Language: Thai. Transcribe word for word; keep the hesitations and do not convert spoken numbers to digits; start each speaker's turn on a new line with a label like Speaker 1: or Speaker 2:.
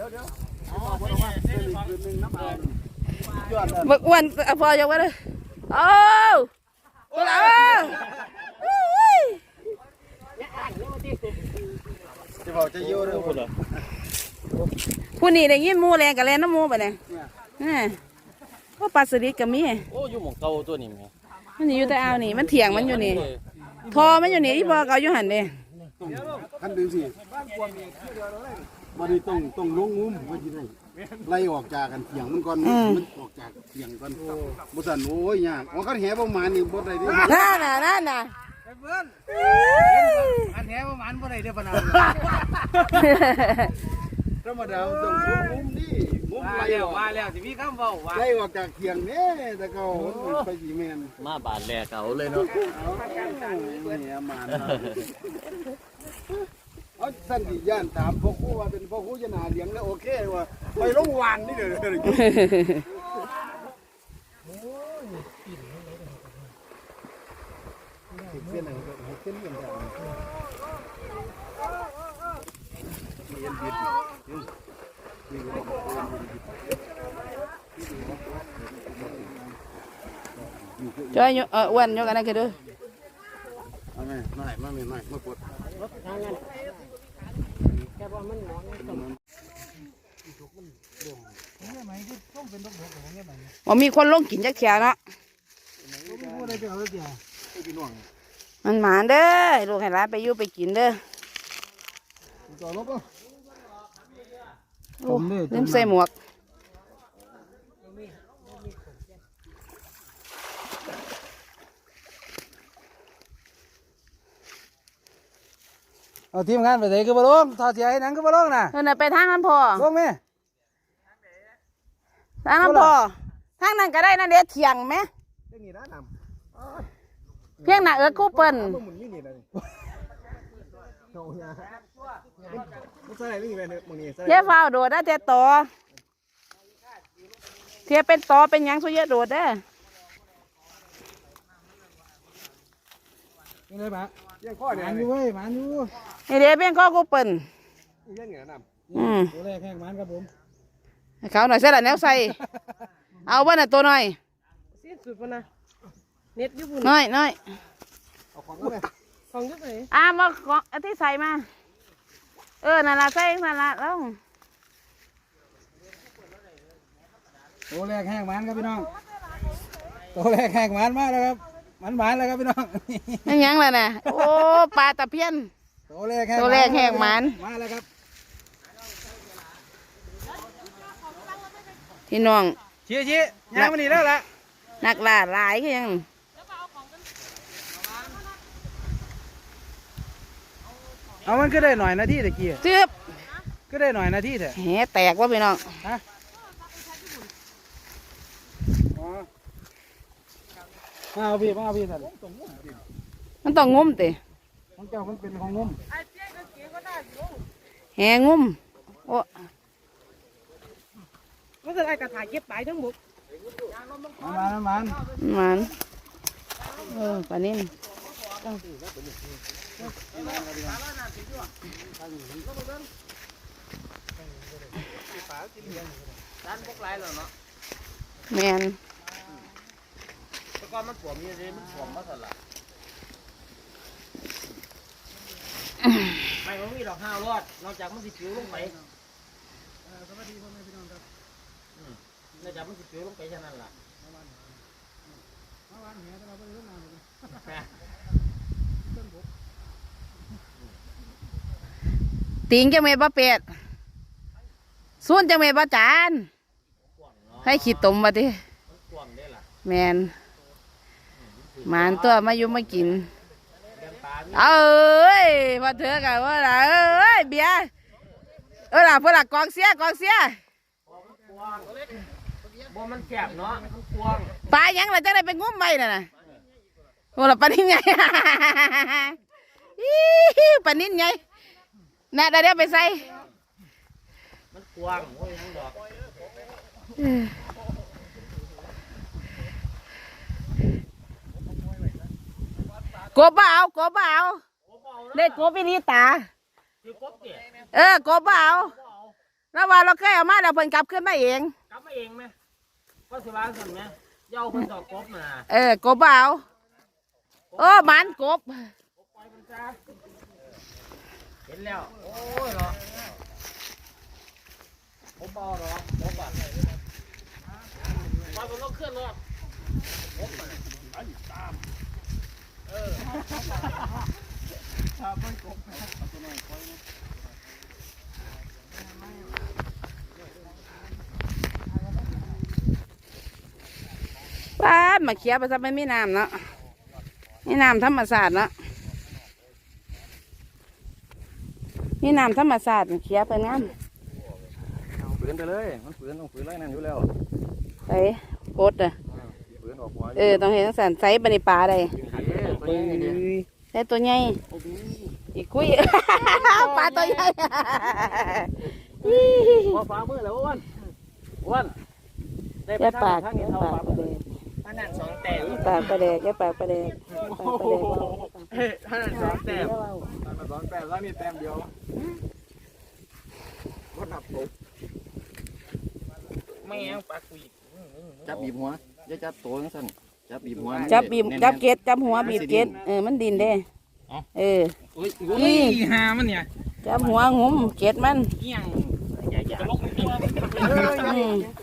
Speaker 1: บักอ้วนพอยกไว้เลยโอ้ตัวละ
Speaker 2: จะบอกจะยุ่งเรื่องคุณเหรอ
Speaker 1: ผู้นี้ได้ยินมูแรงกับแรงน้ำมูไปเนี่ยก็ปลาสลิดกับมี
Speaker 3: โอ้อยู่หมองเก่าตัวนี้ไหม
Speaker 1: มันอยู่แต่เอานี่มันเถียงมันอยู่นี่ทอมันอยู่นี่ที่พอเขาอยู่หันเด้
Speaker 2: ขั้นดึงสิมาดีต้องต้องลงงุ้มไว้ที่ไหนไล่ออกจากกันเถียงมันก่อนมันออกจากเถียงก่อนบุษนโอ้ยยากอ๋อเขาแห่ประมาณนี้บดอะไรดิ
Speaker 1: นั่นน่ะนั่นน่ะ
Speaker 2: เพื่อนอันแห่ประมาณบดอะไรเดียวปนาวธรรมดาต้องลงงุ้มนี่งุ้มไล่ออก
Speaker 4: ว่าแล้วสิมีคำเว้าว่า
Speaker 2: ไล่ออกจากเถียงเนี่ยแต่เขาไปกี่แมน
Speaker 3: มาบาดแหลกเขาเลยเนาะ
Speaker 2: แห่มาเอาท่านที่ย่านถามพ่อครูว่าเป็นพ่อครูจะนาเลี้ยงแล้วโอเคว่าไปลงวานนี่เด้อเส้นอะไรเส้นเลี้ยงแบบเลี้ยงบิด
Speaker 1: ช่วยเอออ้วนยกกันได้กี่ดู
Speaker 2: มาไหมมาไหนมาไหนมามาปวด
Speaker 1: ว่ามีคนลงกินจักเขียเนาะมันหมาเด้อลูกให้ร้านไปยู่ไปกินเด้อโอ้ลืมใส่หมวก
Speaker 4: เอาทีมงานไปไหนก็บ่ลงทอดเสียให้หนังก็บ่ลงน่ะ
Speaker 1: เออไปทางนั้นพอ
Speaker 4: ลงไหม
Speaker 1: ทางนั้นพอทางนั้นก็ได้นั่นเด็ดเถียงไหมเพียงหน้าเอิร์ดคู่เปิ้ลเทียฟ้าโดดได้เทียต่อเทียเป็นต่อเป็นยังสุเยอะโดดได้
Speaker 4: ยังไงปะยังข้อเนี่ยมันอยู่เว้ยมันอยู่
Speaker 1: นี่เดี๋ยวเป็นข้อกูเปิ่น
Speaker 4: ยังเหนือน
Speaker 1: ำอืม
Speaker 4: ตัวแรกแข่งมันครับผม
Speaker 1: เขาหน่อยเส้นละแนวใส่เอาบ้านน่ะตัวหน่อย
Speaker 5: สิ้นสุดปะนะเน็ตญี่ปุ่น
Speaker 1: น้อยน้อย
Speaker 4: เอาของด้วย
Speaker 5: ของยุบเลย
Speaker 1: อ่ามาของอที่ใส่มาเออนั่นละใส่นั่นละแล้ว
Speaker 4: ตัวแรกแข่งมันครับพี่น้องตัวแรกแข่งมันมากแล้วครับมันหวานแล้วครับพี่น้อง
Speaker 1: ยังยังเลยนะโอ้ปลาตะเพียน
Speaker 4: ตัวแรกแข่ง
Speaker 1: ตัวแรกแข่งมัน
Speaker 4: มาแล้วครับ
Speaker 1: พี่น้อง
Speaker 4: เชี่ยเชี่ยยังมันนี่แล้วล่ะ
Speaker 1: นักล่าหลายก็ยัง
Speaker 4: เอามันก็ได้หน่อยนาทีตะกี้
Speaker 1: เจ็บ
Speaker 4: ก็ได้หน่อยนาทีเถอะ
Speaker 1: แหแตกว่าพี่น้อง
Speaker 4: ฮะมาเอาพี่มาเอาพี่สัน
Speaker 1: มันต้องงุ้มติ
Speaker 4: ของเจ้ามันเป็นของงุ้ม
Speaker 1: แหงุ้มโอ้
Speaker 5: มันจะได้กระถางเก็บไปทั้งหมด
Speaker 4: มันมัน
Speaker 1: มันเออปลานิ่มแมน
Speaker 3: แต่ก่อนมันปวดมีอะไรมันปวดมาสั่นละไม่มันมีดอกห้าวรอดนอกจากมันสิผิวลงไปสวัสดีพ่อแม่พี่น้องครับนอกจากมันสิผิวลงไปแค่นั้นล่ะ
Speaker 1: ติงจะเมย์บ้าเป็ดส่วนจะเมย์บ้าจานให้ขีดตุ่มมาดิแมนหมานตัวมาอยู่มากินเอ้ยพอเถอะกันว่าล่ะเอ้ยเบียร์เออล่ะเพื่อนล่ะกองเสียกองเสีย
Speaker 3: บ่มันแคบเนาะมันกว้าง
Speaker 1: ปลายังเราจะได้ไปงุ้มไปน่ะนะโอ้ล่ะปลานิ่นไงปลานิ่นไงน่ะเดี๋ยวไปใส่
Speaker 3: มันกว้างโอ้ยดอก
Speaker 1: กบเบากบเบาเด็กกบอีนี่ตาเออกบเบาแล้วว่าเราเคยเอามาแล้วเพิ่นกลับขึ้นมาเอง
Speaker 3: กลับมาเองไหมก็สิว่าสั่นไหมเย้าคนดอกกบมา
Speaker 1: เออกบเอาโอ้หมันกบ
Speaker 3: ปล่อยมันซะเห็นแล้วโอ้ยเนาะผมบอกหรอกผมบอกปล่อยมันลงเคลื่อนรถผมมาเออ
Speaker 1: ป้าดมาเขียไปซะไม่มีน้ำเนาะมีน้ำธรรมศาสตร์เนาะมีน้ำธรรมศาสตร์มาเขียไปงาม
Speaker 4: ฝืนไปเลยมันฝืนต้องฝืนไรนั่นอยู่แล้ว
Speaker 1: ไปโคตรอ่ะ
Speaker 4: ฝืนออกหัว
Speaker 1: เออต้องเห็นสันใส่บริปลาได้
Speaker 4: ตัวนี้นี่
Speaker 1: ใส่ตัวใหญ่อีกคุย ปลาตัวใหญ่
Speaker 3: พอฟ้ามือแล้วอ้วนอ้วนได้ไป
Speaker 1: แย่
Speaker 3: ทา
Speaker 1: ปาง ก
Speaker 3: ทาง
Speaker 1: แย่
Speaker 3: นี้เท่า
Speaker 1: ปาก
Speaker 3: ฟ้า
Speaker 1: ประเดก
Speaker 3: ท่านั่นสองแต้ม
Speaker 1: ปากประเดกแย่ปากประเดกปากประเดก
Speaker 3: เฮ้ยท่านั่นสองแต้ม
Speaker 4: มันสองแต้มแล้วนี่แต้มเดียวรถหนับตก
Speaker 3: ไม่เอาปลากุย
Speaker 4: จับบีบหัวอย่าจับตัวนั่นสั่นจับบีบหัว
Speaker 1: จับบีบจับเกล็ดจับหัวบีบเกล็ดเออมันดินเด้เออ
Speaker 3: อุ้ยอุ้ยหามันเนี่ย
Speaker 1: จับหัวงุ้มเกล็ดมัน
Speaker 3: เงี้ยงใหญ่ๆลงตัว
Speaker 1: อืม